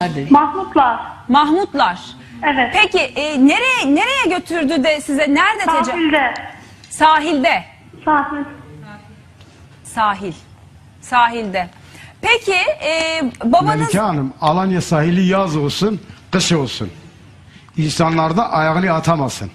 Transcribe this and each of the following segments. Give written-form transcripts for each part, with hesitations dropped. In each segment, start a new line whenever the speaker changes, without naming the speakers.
Mahmutlar.
Mahmutlar.
Evet.
Peki nereye götürdü de size nerede
Sahilde.
Sahilde.
Sahil.
Sahilde. Peki babanız...
Melike Hanım, Alanya sahili yaz olsun, kış olsun. İnsanlar da ayağını atamasın.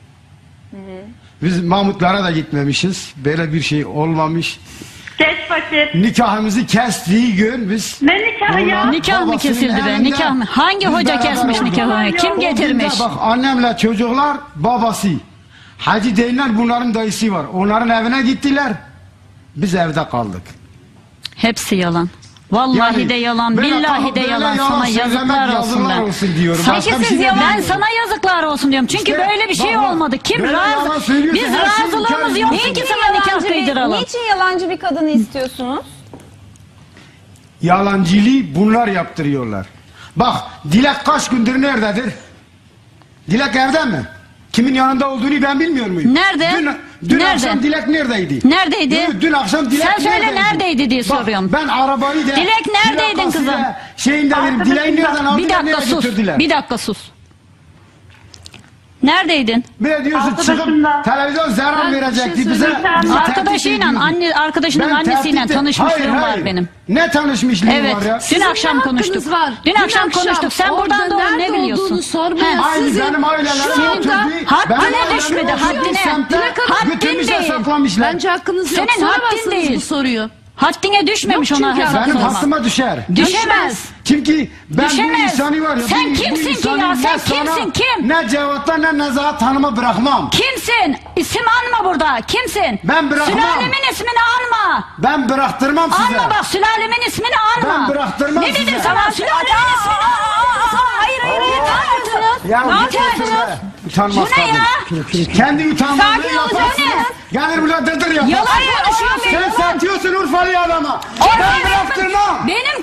Biz Mahmutlara da gitmemişiz. Böyle bir şey olmamış.
Geç vakit.
Nikahımızı kestiği gün biz...
Ne nikahı ya?
Nikah mı kesildi be? Nikah mı? Hangi hoca kesmiş nikahını? Kim getirmiş?
Bak annemle çocuklar babası. Hacı değiller, bunların dayısı var. Onların evine gittiler. Biz evde kaldık.
Hepsi yalan. Vallahi de yalan, billahi de yalan. Sana yazıklar olsun ben.
Peki siz
Ben sana yazıklar olsun diyorum. Çünkü
İşte,
böyle bir şey
bak,
olmadı. Kim
böyle yalan
razı?
söylüyorsa
Biz
her şeyi
razılığımız
inkar
yok
ediyorsun.
ki sana nikah kıydıralım.
Niçin yalancı bir kadını istiyorsunuz?
Yalancılığı bunlar yaptırıyorlar. Bak Dilek kaç gündür nerededir? Dilek evde mi? Kimin yanında olduğunu ben bilmiyor muyum?
Nerede?
Dün
Nerede?
akşam Dilek neredeydi?
Neredeydi?
Dün akşam Dilek
Sen söyle
neredeydi?
neredeydi diye
Bak,
soruyorum.
ben arabayı da...
Dilek neredeydin kızım?
Şeyinde dedim, Dilek'i nereden aldılar,
Bir dakika
nereye
sus.
götürdüler?
Bir dakika sus. Neredeydin?
Bir de diyorsun çıkıp
Arkadaşımla.
televizyon zarar verecekti bize.
söyleyeceğim.
Bizi
Arkadaşıyla, arkadaşının annesiyle tanışmışlığım var benim.
Ne tanışmışlığım
Evet.
var ya?
Dün akşam konuştuk.
Var.
Dün akşam konuştuk. Sen buradan doğru ne biliyorsun?
Sormaya
Aynı
sizin
benim ailelerim
şu
oturdu.
anda
haddine düşmedi, haddine. Haddin
Götürmüşler,
değil.
saklamışlar.
bence hakkınız yok.
Senin haddin
Soramazsınız
değil.
bu soruyu.
Haddine düşmemiş
Yok
ona
çünkü
hesap
Benim
sormak.
hastıma düşer.
Düşemez.
Çünkü ben bu
Düşemez.
insanı var ya.
Sen
bu
kimsin ki
insanı
ya?
ne
Sen
sana,
kimsin, kim?
Ne Cevat'la ne Nezahat Hanım'a bırakmam.
Kimsin? İsim anma burada. Kimsin?
Ben bırakmam.
Sülalemin ismini anma.
Ben bıraktırmam size.
Anma bak, sülalemin ismini anma.
Ben bıraktırmam
Ne
size.
dedim sana? Sülalemin ismini anma.
Hayır. Ne yapıyorsunuz?
Ya
Ne yapıyorsunuz?
Utanmaz
Bu ne
kadın. Kendi utanmazlığı
Sakin
yaparsın.
olacaksınız.
Gelir burada dırdır yapar.
Yalan konuşuyorsun.
Sen satıyorsun Urfalı adama. Ben bıraktırmam.
Benim